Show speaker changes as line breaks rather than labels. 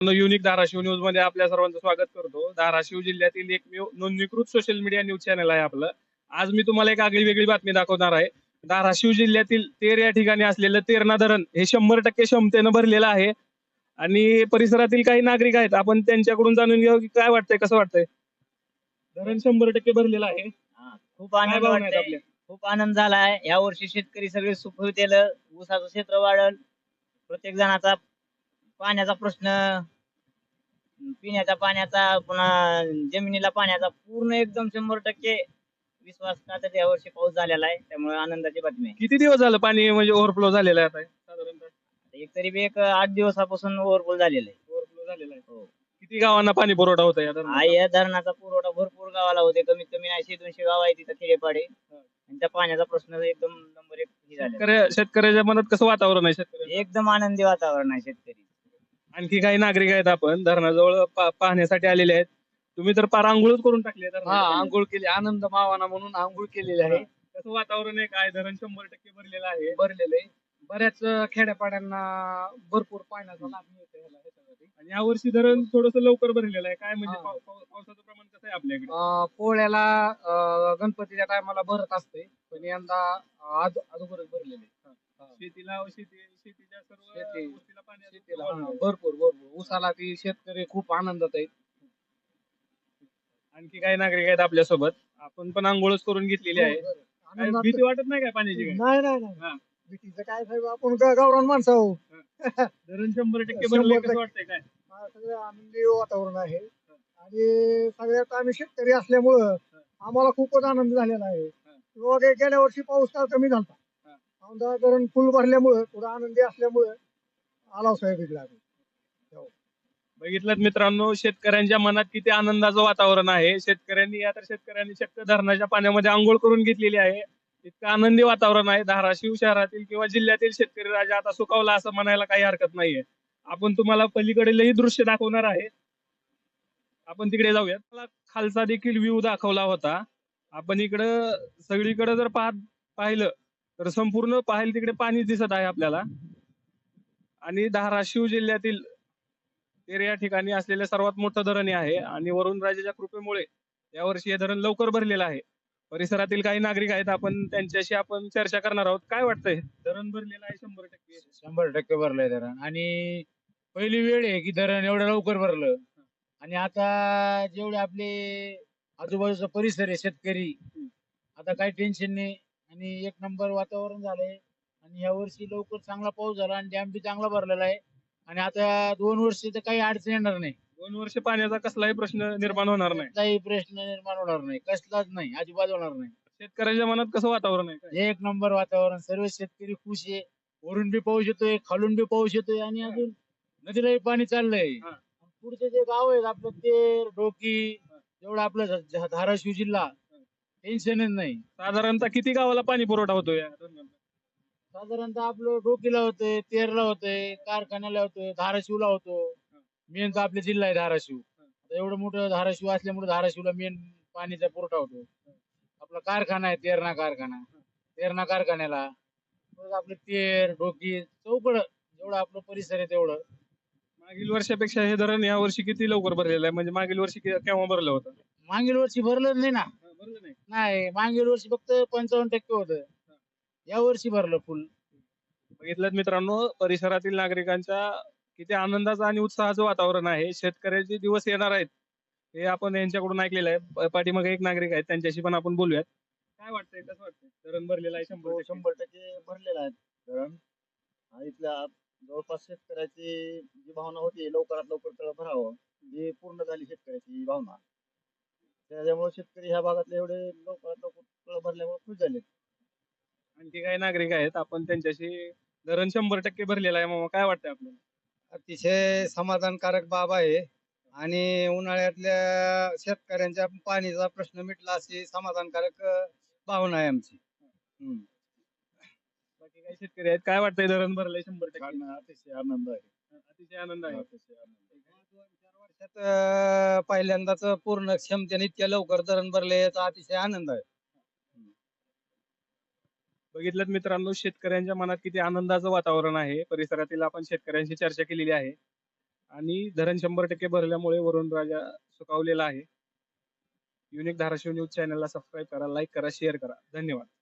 Unique Dharashiv news मध्ये आपल्या सर्वांचं स्वागत करतो. धाराशिव जिल्ह्यातील एकमेव नोंदणीकृत सोशल मीडिया न्यूज चॅनल आहे आपलं. आज मी तुम्हाला एक आगळी वेगळी बातमी दाखवणार आहे. धाराशिव जिल्ह्यातील तेर या ठिकाणी असलेलं तेरणा धरण हे 100% क्षमतेनं भरलेलं आहे आणि परिसरातील काही नागरिक आहेत. आपण त्यांच्याकडून जाणून घेऊ की काय वाटतंय, कसं वाटतंय. धरण 100% भरलेलं आहे.
खूप
काय
आनंद
भावना आहेत
वाटतोय.
आपल्या?
खूप आनंद झालाय. या वर्षी शेतकरी सगळे सुखरूप ऊसाचं क्षेत्र वाढल. प्रत्येक जणाचा पाण्याचा प्रश्न, पिण्याच्या पाण्याचा, पुन्हा जमिनीला पाण्याचा पूर्ण एकदम 100% विश्वास टाकत या वर्षी पाऊस झालेला आहे. त्यामुळे आनंदाची बातमी आहे.
किती दिवस झालं पाणी म्हणजे ओव्हरफ्लो झालेलं आहे आता साधारणतः?
एक 8 दिवसापासून ओव्हरफुल झालेलं आहे.
ओव्हरफ्लो झालेलं आहे.
हो.
किती गावांना पाणी पुरवठा होता या धरणाचा?
या धरणाचा पुरवठा भरपूर गावाला होते. कमीत कमी 100-200 गाव आहे तिथं खेडेपाडे. आणि त्या पाण्याचा प्रश्न एकदम नंबर 1 झाला.
शेतकऱ्याच्या मनात कसं वातावरण आहे शेतकऱ्याचं?
एकदम आनंदी वातावरण आहे शेतकरी.
आणखी काही नागरिक आहेत आपण धरणाजवळ पाहण्यासाठी आलेले आहेत. तुम्ही तर पार आंघोळच करून टाकली आहे
हा
धरणाच्या पाण्यात.
आंघोळ केली, आनंद मावाना म्हणून आंघोळ केलेली आहे.
कसं वातावरण आहे, काय धरण 100% भरलेलं आहे.
भरलेले बऱ्याच खेड्यापाड्यांना भरपूर पाण्याचा लाभ मिळतो ह्याच्यासाठी.
आणि यावर्षी धरण थोडस लवकर भरलेलं आहे. काय म्हणजे
हा.
पावसाचं प्रमाण कसं आहे आपल्याकडे?
पोळ्याला गणपतीच्या टायमाला भरत असते, पण यंदा अगोदरच भरलेले.
शेतीच्या सर्व
शेती-
गोष्टीला पाणी
शेतीला भरपूर भरपूर ऊसाला ती शेतकरी खूप आनंदात आहेत.
आणखी काही नागरिक आहेत आपल्या सोबत. आपण पण आंघोळच करून घेतलेली आहे.
हो,
काय
आनंदात-
भीती वाटत नाही काय पाण्याची? काय
नाही नाही नाही
हा.
भीतीचं काय साहेब, आपण गावरान माणसं आहो.
धरण 100% भरले, कसं वाटतंय काय?
सगळं आनंदी वातावरण आहे आणि सगळ्यात आम्ही शेतकरी असल्यामुळं आम्हाला खूपच आनंद झालेला आहे. गेल्या वर्षी पाऊस काळ कमी झाला. औंधा धरण फुल भरल्यामुळं थोडं आनंदी असल्यामुळं आला साहेब इकडे आम्ही.
बघितलं मित्रांनो, शेतकऱ्यांच्या मनात किती आनंदाचं वातावरण आहे. शेतकऱ्यांनी चक्क धरणाच्या पाण्यामध्ये आंघोळ करून घेतलेली आहे. इतकं आनंदी वातावरण आहे. धाराशिव शहरातील किंवा जिल्ह्यातील शेतकरी राजा आता सुखावला असं म्हणायला काही हरकत नाहीये. आपण तुम्हाला पलीकडेलही दृश्य दाखवणार आहे. आपण तिकडे जाऊयात. मला खालचा देखील व्ह्यू दाखवला होता. आपण इकडं सगळीकडे जर पाहिलं तर संपूर्ण पाहायला तिकडे पाणी दिसत आहे आपल्याला. आणि धाराशिव जिल्ह्यातील तेर या ठिकाणी असलेलं सर्वात मोठं धरण हे आहे आणि वरुण राजाच्या कृपेमुळे यावर्षी हे धरण लवकर भरलेलं आहे. परिसरातील काही नागरिक आहेत, आपण त्यांच्याशी चर्चा करणार आहोत. काय वाटतंय, धरण भरलेलं आहे 100%?
100% भरलंय धरण. आणि पहिली वेळ आहे की धरण एवढं लवकर भरलं. आणि आता जेवढे आपले आजूबाजूचा परिसर आहे शेतकरी, आता काही टेन्शन नाही आणि एक नंबर वातावरण झालंय. आणि या वर्षी लवकर चांगला पाऊस झाला आणि डॅम बी चांगला भरलेला आहे. आणि आता 2 वर्ष तर काही अडचण येणार नाही.
2 वर्ष पाण्याचा कसलाही प्रश्न निर्माण होणार नाही.
काही प्रश्न निर्माण होणार नाही, कसलाच नाही, अजिबात होणार नाही.
शेतकऱ्याच्या मनात कसं वातावरण आहे काय?
एक नंबर वातावरण, सर्व शेतकरी खुश आहे. वरून बी पाऊस येतोय, खालून बी पाऊस येतोय आणि अजून नदीलाही पाणी चाललंय.
हा.
पुढचे जे गाव आहेत आपलं तेर, डोकी, एवढं आपलं धाराशिव जिल्हा, टेन्शनच नाही.
साधारणतः किती गावाला पाणी पुरवठा होतो या धरणाचा?
साधारणतः आपलं डोकीला होतंय, तेरला होतंय, कारखान्याला होतोय, धाराशिवला होतो. मेन तर आपले जिल्हा आहे धाराशिव. आता एवढं मोठं धाराशिव असल्यामुळे धाराशिवला मेन पाणीचा पुरवठा होतो. आपला कारखाना आहे तेरणा कारखान्याला, परत आपलं तेर, डोकी, चौकड जेवढं आपलं परिसर आहे तेवढं.
मागील वर्षापेक्षा हे धरण या वर्षी किती लवकर भरलेलं आहे? म्हणजे मागील वर्षी केव्हा भरलं होतं?
मागील वर्षी भरलं नाही ना.
भरलं नाही.
नाही, मागील वर्षी फक्त 55% होतं. या वर्षी भरलं फुल.
बघितलं मित्रांनो, परिसरातील नागरिकांच्या किती आनंदाचं आणि उत्साहाचं वातावरण आहे. शेतकऱ्याचे दिवस येणार आहेत हे आपण यांच्याकडून ऐकलेलं आहे. पाठीमागे एक नागरिक आहेत, त्यांच्याशी पण आपण बोलूयात. काय वाटतंय, कसं वाटतंय? धरण भरलेलं आहे 100%?
100% भरलेला आहे धरण. आणि इथल्या जवळपास शेतकऱ्याची जी भावना होती लवकरात लवकर तळ भरावं, ही पूर्ण झाली शेतकऱ्याची भावना. त्याच्यामुळे शेतकरी ह्या भागातले एवढे लवकरात लवकर तळ भरल्यामुळे खुश झाले.
आणखी काही नागरिक आहेत, आपण त्यांच्याशी धरण 100% भरलेलं आहे मामा, काय वाटतंय आपल्याला?
अतिशय समाधानकारक बाब आहे आणि उन्हाळ्यातल्या शेतकऱ्यांच्या पाणीचा प्रश्न मिटला अशी समाधानकारक भावना आहे आमची.
बाकी काही शेतकरी आहेत, काय वाटतंय धरण भरलंय 100%?
अतिशय आनंद आहे.
अतिशय आनंद आहे.
अतिशय आनंद.
2-4 वर्षात पहिल्यांदाच पूर्ण क्षमतेने इतक्या लवकर धरण भरले याचा अतिशय आनंद आहे.
बघितलं मित्रांनो, शेतकऱ्यांच्या मनात किती आनंदाचं वातावरण आहे. परिसरातील आपण शेतकऱ्यांशी चर्चा केलेली आहे. आणि धरण 100% भरल्यामुळे वरुण राजा सुखावलेला आहे. युनिक धाराशिव न्यूज चॅनलला सबस्क्राईब करा, लाईक करा, शेअर करा. धन्यवाद.